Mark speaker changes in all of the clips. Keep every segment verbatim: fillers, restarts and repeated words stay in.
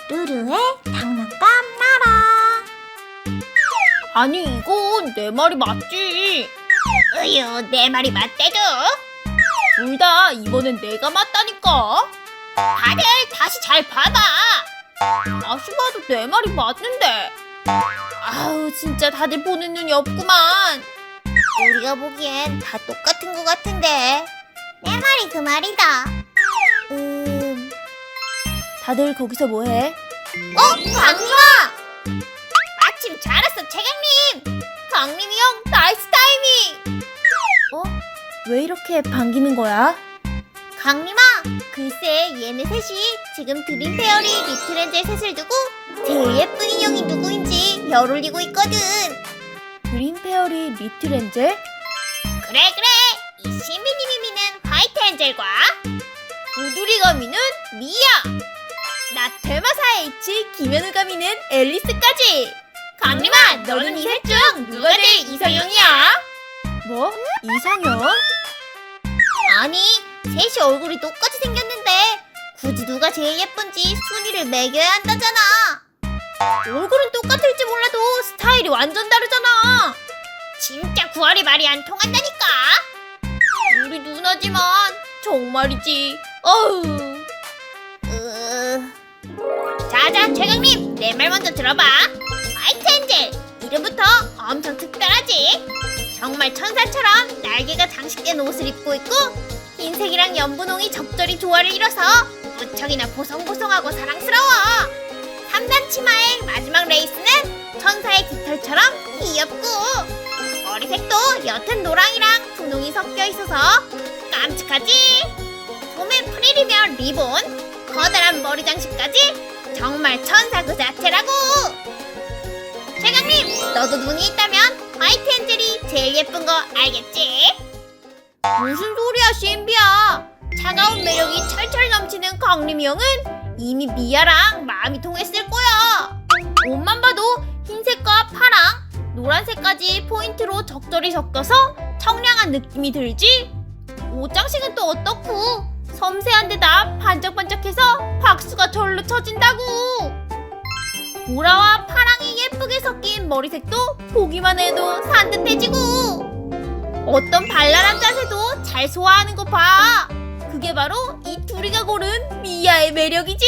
Speaker 1: 루루의 장난감 나라.
Speaker 2: 아니 이건 내 말이 맞지.
Speaker 1: 으유, 내 말이 맞대도.
Speaker 2: 둘 다 이번엔 내가 맞다니까.
Speaker 1: 다들 다시 잘 봐봐.
Speaker 2: 다시 봐도 내 말이 맞는데. 아우 진짜 다들 보는 눈이 없구만.
Speaker 1: 우리가 보기엔 다 똑같은 것 같은데. 내 말이 그 말이다. 음...
Speaker 2: 다들 거기서 뭐해?
Speaker 1: 어? 강림아! 마침 잘 왔어, 최강님! 강림이 형, 나이스 타이밍!
Speaker 2: 어? 왜 이렇게 반기는 거야?
Speaker 1: 강림아, 글쎄 얘네 셋이 지금 드림페어리 리틀엔젤 셋을 두고 제일 예쁜 인형이 누구인지 열 올리고 있거든.
Speaker 2: 그린페어리 리틀엔젤?
Speaker 1: 그래 그래, 이 신비님이 미는 화이트 엔젤과
Speaker 2: 우두리가 미는 미야. 나 퇴마사 H 김현우가 미는 앨리스까지.
Speaker 1: 강림아, 너는 이 셋 중 누가 제일 이상형이야?
Speaker 2: 뭐? 이상형?
Speaker 1: 아니, 셋이 얼굴이 똑같이 생겼는데 굳이 누가 제일 예쁜지 순위를 매겨야 한다잖아.
Speaker 2: 얼굴은 똑같을지 몰라도 스타일이 완전 다르잖아.
Speaker 1: 진짜 구할이 말이 안 통한다니까.
Speaker 2: 우리 누나지만 정말이지. 어우.
Speaker 1: 으... 자자, 최강님, 내 말 먼저 들어봐. 화이트 엔젤, 이름부터 엄청 특별하지. 정말 천사처럼 날개가 장식된 옷을 입고 있고 흰색이랑 연분홍이 적절히 조화를 이뤄서 무척이나 보송보송하고 사랑스러워. 삼 단 치마의 마지막 레이스는 천사의 깃털처럼 귀엽고, 머리색도 옅은 노랑이랑 분홍이 섞여 있어서 깜찍하지. 소매 프릴이며 리본, 커다란 머리 장식까지 정말 천사 그 자체라고. 최강님, 너도 눈이 있다면 화이트 엔젤이 제일 예쁜 거 알겠지?
Speaker 2: 무슨 소리야 신비야. 차가운 매력이 철철 넘치는 강림이 형은 이미 미아랑 마음이 통했을 거야. 옷만 봐도 흰색과 파랑, 노란색까지 포인트로 적절히 섞여서 청량한 느낌이 들지? 옷 장식은 또 어떻고? 섬세한 데다 반짝반짝해서 박수가 절로 쳐진다고. 보라와 파랑이 예쁘게 섞인 머리색도 보기만 해도 산뜻해지고, 어떤 발랄한 자세도 잘 소화하는 거 봐. 그게 바로 이 둘이가 고른 미아의 매력이지.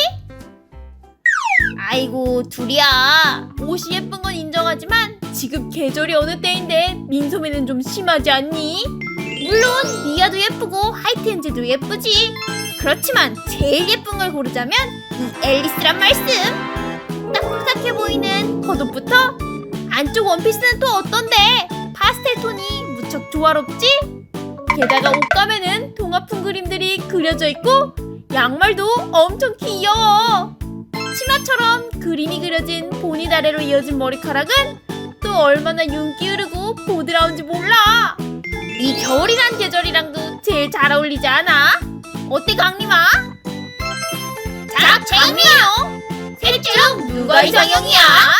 Speaker 2: 아이고 둘이야, 옷이 예쁜 건 인정하지만 지금 계절이 어느 때인데 민소매는 좀 심하지 않니? 물론 미아도 예쁘고 화이트 엔젤도 예쁘지. 그렇지만 제일 예쁜 걸 고르자면 이 앨리스란 말씀. 딱 푸석해 보이는 겉옷부터 안쪽 원피스는 또 어떤데? 파스텔 톤이 무척 조화롭지? 게다가 옷감에는 동화풍 그림들이 그려져 있고 양말도 엄청 귀여워. 치마처럼 그림이 그려진 보닛 아래로 이어진 머리카락은 또 얼마나 윤기 흐르고 보드라운지 몰라. 이 겨울이란 계절이랑도 제일 잘 어울리지 않아? 어때 강림아?
Speaker 1: 자, 최강님! 셋 중 누가 이상형이야?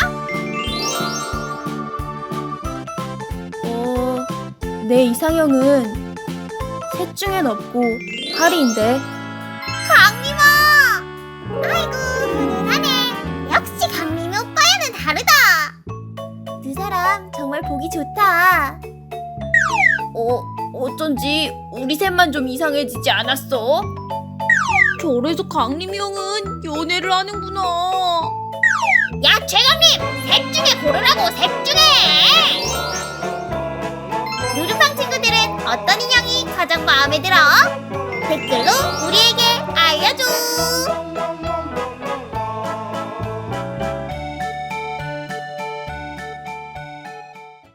Speaker 2: 어... 내 이상형은 셋 중엔 없고 하리인데.
Speaker 1: 강림아! 아이고, 훈훈하네. 역시 강림이 오빠야는 다르다.
Speaker 2: 두 사람 정말 보기 좋다. 어, 어쩐지 우리 셋만 좀 이상해지지 않았어? 저래서 강림이 형은 연애를 하는구나.
Speaker 1: 야, 최강님! 셋 중에 고르라고, 셋 중에! 루루팡 친구들은 어떤 인형이 가장 마음에 들어? 댓글로 우리에게 알려줘!